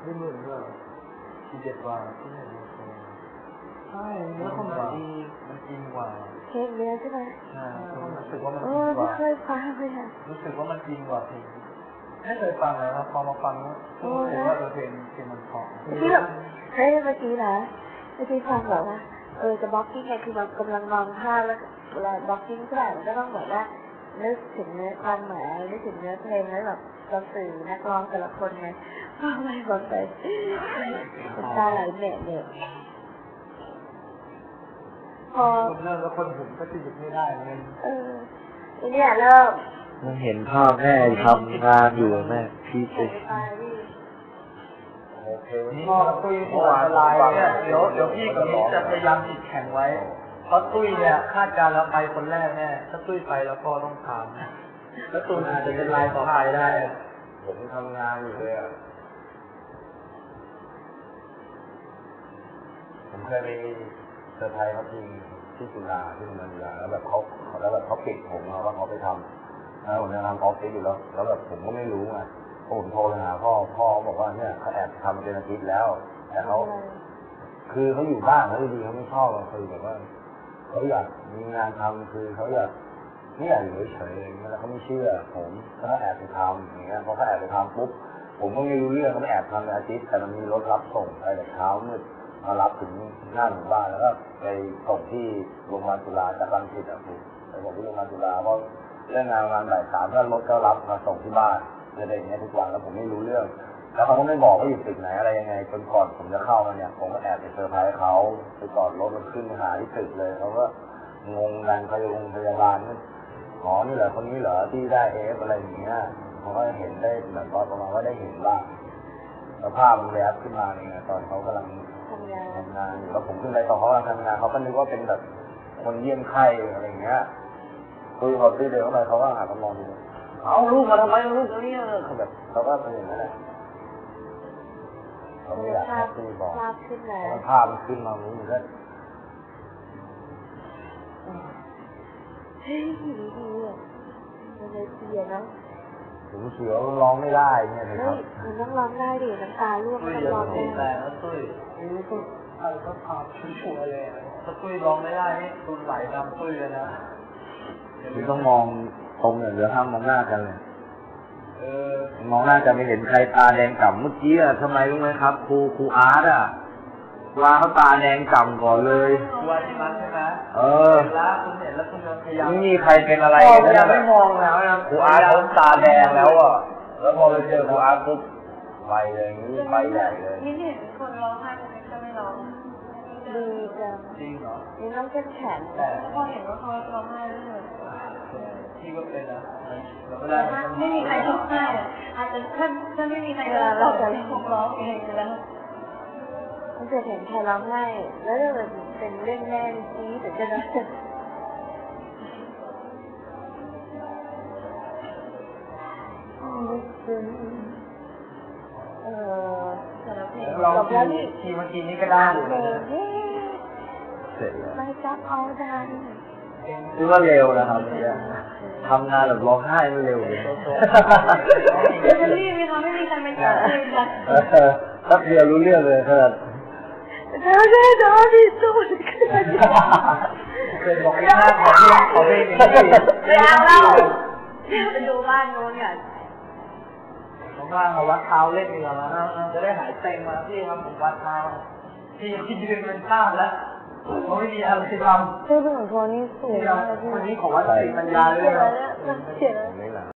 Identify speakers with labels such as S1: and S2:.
S1: ไม่เหมือนก็47 กว่าที่ไหนใช่เนื้อคนดีมันกินกว่า
S2: เพลงเนื้อใช่ไหม
S1: ใช่รู้สึกว่ามันกินกว่า
S2: ไม่เคยฟังเลยค่ะ
S1: รู้สึกว่ามันกินกว่าเพลงไม่เคยฟังเลยครับพอมาฟังแล้วรู้สึกว่าเพลงมันเพราะ
S2: ที่แบบเฮ้ยเมื่อกี้นะเมื่อกี้ฟังแบบว่าจะบล็อกกิ้งไงคือมันกำลังนอนภาพแล้วเวลาบล็อกกิ้งเท่าไหร่มันก็ต้องแบบว่านึกถึงเนื้อความหมายนึกถึงเนื้อเพลงแล้วแบบเราสื่อนักร้องแต่ละคนไงฟังไปฟังไปตาไหลแหม่เนี่ยพอ
S1: เริ่มแล้วคนผมก็จะหยุดไม่ได้เลย
S2: เนี่ยเริ่ม
S3: มันเห็นภาพแม่ทำงานอยู่แม่พี่เจ๊
S1: พ่อตุ้ยหัวลายเนี่ยเดี๋ยวพี่กับนี้จะพยายามติดแข่งไว้เพราะตุ้ยเนี่ยคาดการแล้วไปคนแรกแน่ถ้าตุ้ยไปแล้วพ่อต้องถามแล้วตุ้ยอาจจะเป็นลายต่อไปได้
S3: ผมทำงานอยู่เลยผมเคยไปเซอร์ไพรส์เขาที่จุฬาที่โรงเรียนจุฬาแล้วแบบเขาปิดผมว่าเขาไปทำแล้วผมจะทำออฟฟิศอยู่แล้วแบบผมก็ไม่รู้ไงผมโทรไปหาพ่อบอกว่าเนี่ยเขาแอบทำเป็นอาทิตย์แล้วแต่เขาคือเขาอยู่บ้านแล้วดีเขาไม่ชอบคือแบบว่าเขาอยากมีงานทำคือเขาอยากไม่อยากอยู่เฉยๆแล้วเขาไม่เชื่อผมเขาแอบไปทำอย่างเงี้ยพอเขาแอบไปทำปุ๊บผมก็ไม่รู้เรื่องเขาไม่แอบทำเป็นอาทิตย์แต่มันมีรถรับส่งไปแต่เช้ามืดมารับถึงหน้าหมู่บ้านแล้วก็ไปส่งที่โรงพยาบาลจุฬาจากรังสิตคุณไปส่งที่โรงพยาบาลจุฬาเพราะเรื่องงานประมาณบ่าย 3ก็รถก็รับมาส่งที่บ้านอะไรอย่างเงี้ยทุกวันแล้วผมไม่รู้เรื่องแล้วเขาก็ไม่บอกว่าอยู่ตึกไหนอะไรยังไงจนก่อนผมจะเข้ามาเนี่ยผมก็แอบไปเซอร์ไพรส์เขาไปจอดรถมันขึ้นไปหาที่ตึกเลยเขาก็งงกันพยาบาลนี่อ๋อนี่เหรอคนนี้เหรอที่ได้อะไรอย่างเงี้ยเขาก็เห็นได้แบบประมาณว่าได้เห็นบ้างสภาพมันแวบขึ้นมาเนี่ยตอนเขากำลังทำงานอยู่แล้วผมขึ้นไปตอนเขากำลังทำงานเขาก็นึกว่าเป็นแบบคนเยี่ยมไข้อะไรอย่างเงี้ยคุยเขาตื้อเดินเข้าไปเขาก็หาเขามองดูเอาลูกมาทำไมลูกนี้เขาแบบเขาก็เป็นอย่างนั้นแหละเขาไม่อยากให้ตีบอกภาพขึ้นแล้วภาพมันขึ้นมาอย่างนี้มันก็
S2: เฮ้ยดีมันเลยเสียเนาะ
S3: ถึงเสียวร้องไม่ได้เนี่ยนะครับ
S2: มันต้องร้องได้ดิน้ำตาร่วงมันร้องได้
S1: แต่แล้วตุ้ยนี่ก็อะไรก็พาชัวร์เลยถ้าตุ้ยร้องไม่ได้นี่ตุ้ยไหลตามตุ้ยเลยนะ
S3: คุณต้องมองตรงอย่างเดียวห้ามมองหน้ากันเลยมองหน้าจะไม่เห็นใครตาแดงก่ำเมื่อกี้ทำไมรู้ไหมครับครูอาร์ตวางเขาตาแดงก่ำก่อนเลย
S1: ครูอาร์ตที่มันใช่ไหมแล้วคุณเห็นแล้วคุณพยายาม
S3: ไม่มีใครเป็นอะไร
S1: เลยนะไม่มองแล้วนะ
S3: ครูอาร์ตเขาตาแดงแล้วแล้วพอไปเจอครูอาร์ตปุ๊บไปเลยนี่ไปใหญ่เลย
S2: นี่เห็นคนร้องไห้จะไม่ร้องดีจัง
S1: จริงเหรอ
S2: นี่ต้องเข้มแข็งแต่พอเห็นว่าเขาร้องไห้เลย
S1: ที่ก็เป็นนะ
S2: ไม่มีใครร้องไห้อาจจะถ้าไม่มีใครเราจะร้องเองแล้วมันจะเห็นใครร้องไห้แล้วจะเป็นเรื่องแน่นี้แต่จะร้อง
S1: เราทีเมื่อกี้นี้ก็ได้อยู่
S3: เสร็จแล้ว
S2: ไม่จับเอาได้
S3: คือว่าเร็วนะครับทำงานแบบร้องไห้ไม่เร็วเลย
S2: ไม่มีใครไม่จับเลยกัน
S3: ถ้าเดียวรู้เรื่องเลยขนาด
S2: ได้ที่สุด
S1: เป็นบอกให้หน้าขอเพลงนี้
S2: ไม่เอาเล่าไปดูบ้านโน้นเนี่ย
S1: ว่างๆมาวัดเท้าเล่นดีกว่านะจะได้หายเต็งมาพี่ครับผมวัดเท้าพี่ยืนเป็นข้ามแล้วเขาไม่มีอะไรทำ
S2: ชื่อเป็นของโทนี่สูงมากเลย
S1: วันนี้ขอวัดสติปัญญาเลยนะ